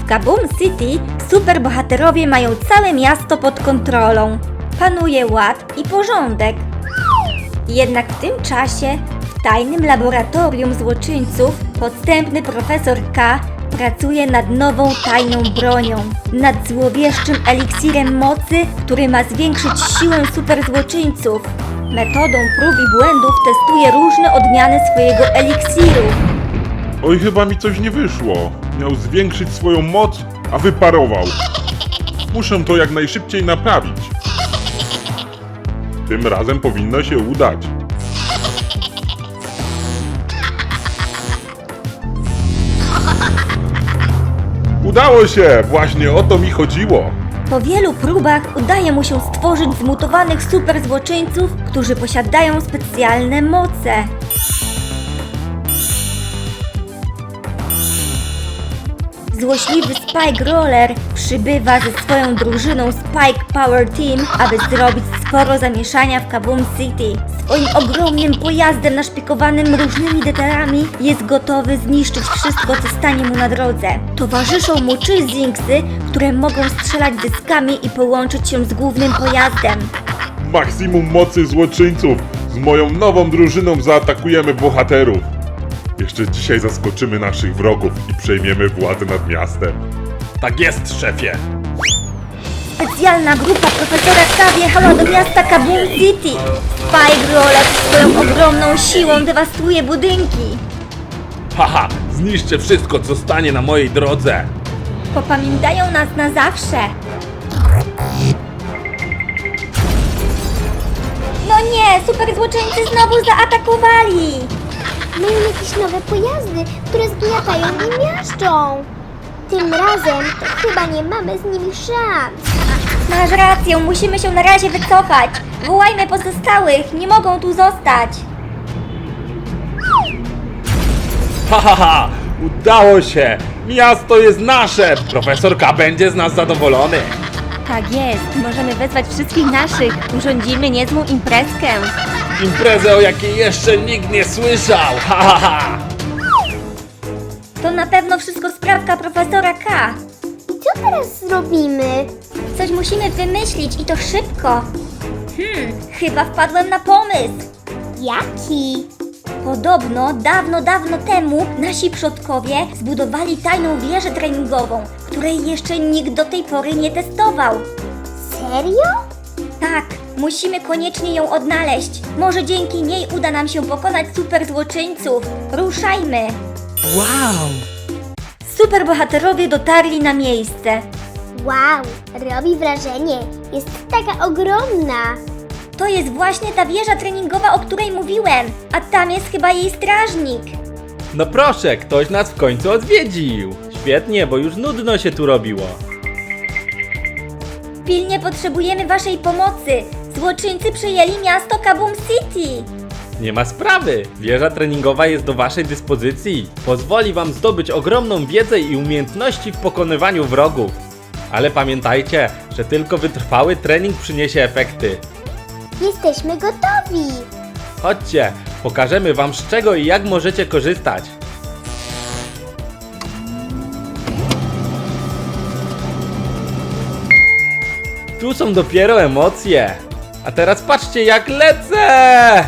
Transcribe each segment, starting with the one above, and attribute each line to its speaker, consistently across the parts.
Speaker 1: Kaboom City superbohaterowie mają całe miasto pod kontrolą. Panuje ład i porządek. Jednak w tym czasie w tajnym laboratorium złoczyńców podstępny profesor K pracuje nad nową tajną bronią. Nad złowieszczym eliksirem mocy, który ma zwiększyć siłę superzłoczyńców. Metodą prób i błędów testuje różne odmiany swojego eliksiru.
Speaker 2: Oj, chyba mi coś nie wyszło. Miał zwiększyć swoją moc, a wyparował. Muszę to jak najszybciej naprawić. Tym razem powinno się udać. Udało się! Właśnie o to mi chodziło.
Speaker 1: Po wielu próbach udaje mu się stworzyć zmutowanych superzłoczyńców, którzy posiadają specjalne moce. Złośliwy Spike Roller przybywa ze swoją drużyną Spike Power Team, aby zrobić sporo zamieszania w Kaboom City. Swoim ogromnym pojazdem naszpikowanym różnymi detalami jest gotowy zniszczyć wszystko, co stanie mu na drodze. Towarzyszą mu 3 Zinksy, które mogą strzelać dyskami i połączyć się z głównym pojazdem.
Speaker 2: Maksimum mocy złoczyńców! Z moją nową drużyną zaatakujemy bohaterów. Jeszcze dzisiaj zaskoczymy naszych wrogów i przejmiemy władzę nad miastem.
Speaker 3: Tak jest, szefie!
Speaker 1: Specjalna grupa profesora K wjechała do miasta Kaboom City. Spike Roller swoją ogromną siłą dewastuje budynki.
Speaker 3: Haha, zniszczę wszystko, co stanie na mojej drodze!
Speaker 1: Popamiętają nas na zawsze. No nie, superzłoczyńcy znowu zaatakowali.
Speaker 4: Mają jakieś nowe pojazdy, które zgniatają i miażdżą. Tym razem to chyba nie mamy z nimi szans.
Speaker 1: Masz rację, musimy się na razie wycofać. Wołajmy pozostałych, nie mogą tu zostać.
Speaker 3: Hahaha, udało się! Miasto jest nasze! Profesor K będzie z nas zadowolony!
Speaker 1: Tak jest, możemy wezwać wszystkich naszych. Urządzimy niezłą imprezkę.
Speaker 3: Imprezę, o jakiej jeszcze nikt nie słyszał! Hahaha!
Speaker 1: To na pewno wszystko sprawka profesora K.
Speaker 4: I co teraz zrobimy?
Speaker 1: Coś musimy wymyślić i to szybko. Chyba wpadłem na pomysł.
Speaker 4: Jaki?
Speaker 1: Podobno dawno temu nasi przodkowie zbudowali tajną wieżę treningową, której jeszcze nikt do tej pory nie testował.
Speaker 4: Serio?
Speaker 1: Tak, musimy koniecznie ją odnaleźć. Może dzięki niej uda nam się pokonać superzłoczyńców. Ruszajmy!
Speaker 3: Wow!
Speaker 1: Superbohaterowie dotarli na miejsce.
Speaker 4: Wow, robi wrażenie. Jest taka ogromna.
Speaker 1: To jest właśnie ta wieża treningowa, o której mówiłem, a tam jest chyba jej strażnik.
Speaker 3: No proszę, ktoś nas w końcu odwiedził! Świetnie, bo już nudno się tu robiło.
Speaker 1: Pilnie potrzebujemy waszej pomocy. Złoczyńcy przejęli miasto Kaboom City.
Speaker 3: Nie ma sprawy! Wieża treningowa jest do waszej dyspozycji. Pozwoli wam zdobyć ogromną wiedzę i umiejętności w pokonywaniu wrogów. Ale pamiętajcie, że tylko wytrwały trening przyniesie efekty.
Speaker 4: Jesteśmy gotowi.
Speaker 3: Chodźcie, pokażemy wam z czego i jak możecie korzystać. Tu są dopiero emocje. A teraz patrzcie jak lecę!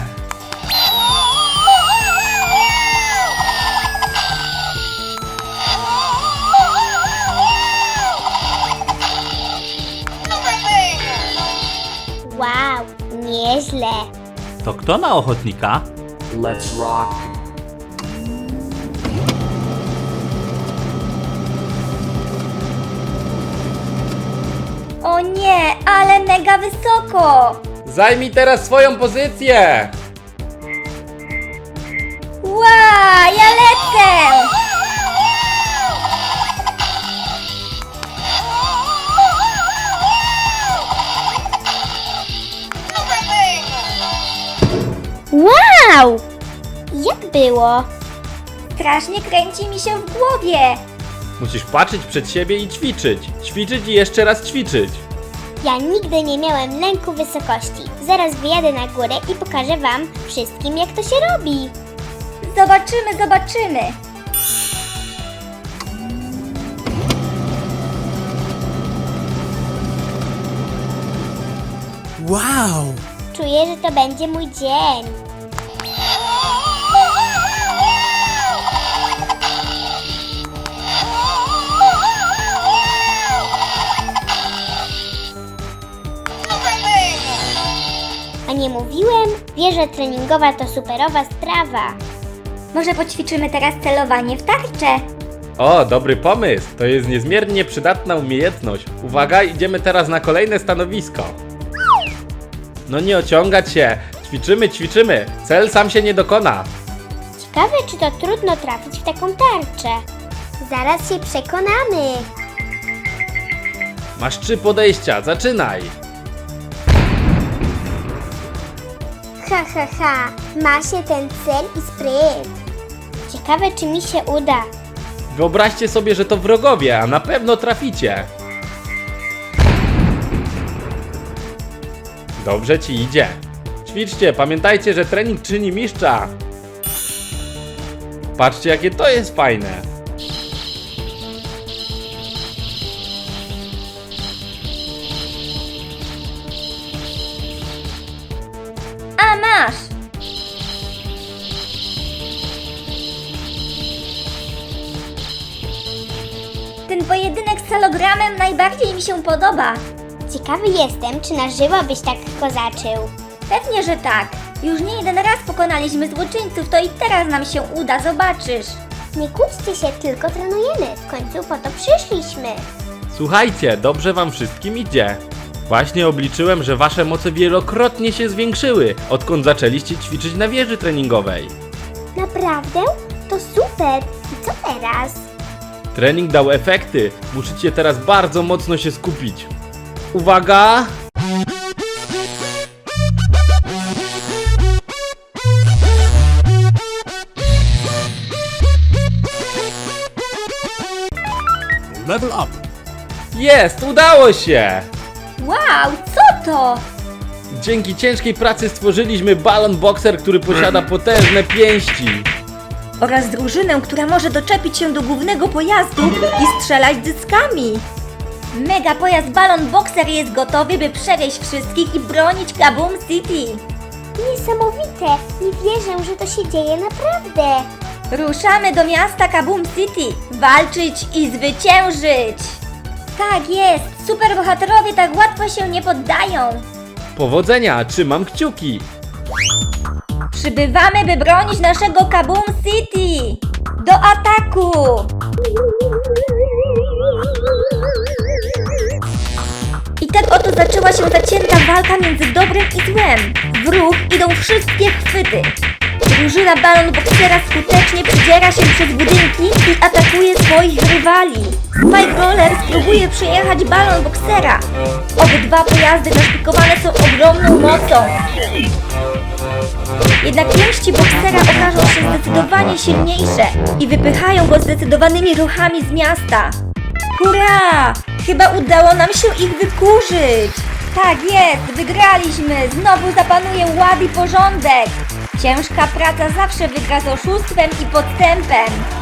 Speaker 4: Wow, nieźle.
Speaker 3: To kto na ochotnika?
Speaker 5: Let's rock.
Speaker 1: O nie, ale mega wysoko.
Speaker 3: Zajmij teraz swoją pozycję!
Speaker 1: Ła, ja lecę.
Speaker 4: Wow! Jak było?
Speaker 1: Strasznie kręci mi się w głowie.
Speaker 3: Musisz patrzeć przed siebie i ćwiczyć. Ćwiczyć i jeszcze raz ćwiczyć.
Speaker 4: Ja nigdy nie miałem lęku wysokości. Zaraz wyjadę na górę i pokażę wam wszystkim, jak to się robi.
Speaker 1: Zobaczymy.
Speaker 5: Wow!
Speaker 4: Czuję, że to będzie mój dzień. A nie mówiłem? Wieża treningowa to superowa sprawa.
Speaker 1: Może poćwiczymy teraz celowanie w tarczę?
Speaker 3: O, dobry pomysł! To jest niezmiernie przydatna umiejętność. Uwaga, idziemy teraz na kolejne stanowisko. No nie ociągać się. Ćwiczymy. Cel sam się nie dokona.
Speaker 4: Ciekawe, czy to trudno trafić w taką tarczę. Zaraz się przekonamy.
Speaker 3: Masz 3 podejścia, zaczynaj!
Speaker 4: Ha. Ma się ten cel i spryt. Ciekawe, czy mi się uda.
Speaker 3: Wyobraźcie sobie, że to wrogowie, a na pewno traficie. Dobrze ci idzie. Ćwiczcie, pamiętajcie, że trening czyni mistrza. Patrzcie, jakie to jest fajne.
Speaker 1: A masz! Ten pojedynek z celogramem najbardziej mi się podoba.
Speaker 4: Ciekawy jestem, czy na żywo byś tak kozaczył.
Speaker 1: Pewnie, że tak. Już nie jeden raz pokonaliśmy złoczyńców, to i teraz nam się uda, zobaczysz.
Speaker 4: Nie kłóćcie się, tylko trenujemy. W końcu po to przyszliśmy.
Speaker 3: Słuchajcie, dobrze wam wszystkim idzie. Właśnie obliczyłem, że wasze moce wielokrotnie się zwiększyły, odkąd zaczęliście ćwiczyć na wieży treningowej.
Speaker 4: Naprawdę? To super. I co teraz?
Speaker 3: Trening dał efekty. Musicie teraz bardzo mocno się skupić. Uwaga!
Speaker 5: Level up!
Speaker 3: Jest! Udało się!
Speaker 1: Wow, co to?
Speaker 3: Dzięki ciężkiej pracy stworzyliśmy balon boxer, który posiada potężne pięści.
Speaker 1: Oraz drużynę, która może doczepić się do głównego pojazdu i strzelać dyskami. Mega pojazd Balon Boxer jest gotowy, by przewieźć wszystkich i bronić Kaboom City.
Speaker 4: Niesamowite. Nie wierzę, że to się dzieje naprawdę.
Speaker 1: Ruszamy do miasta Kaboom City, walczyć i zwyciężyć. Tak jest, superbohaterowie tak łatwo się nie poddają.
Speaker 3: Powodzenia, trzymam kciuki.
Speaker 1: Przybywamy, by bronić naszego Kaboom City. Do ataku! I tak oto zaczęła się zacięta walka między dobrem i złem. W ruch idą wszystkie chwyty. Drużyna Balon Boxera skutecznie przedziera się przez budynki i atakuje swoich rywali. Spike Roller spróbuje przejechać Balon Boxera. Obydwa pojazdy naszpikowane są ogromną mocą. Jednak pięści Boxera okażą się zdecydowanie silniejsze i wypychają go zdecydowanymi ruchami z miasta. Hurra! Chyba udało nam się ich wykurzyć! Tak jest, wygraliśmy! Znowu zapanuje ład i porządek! Ciężka praca zawsze wygra z oszustwem i podstępem.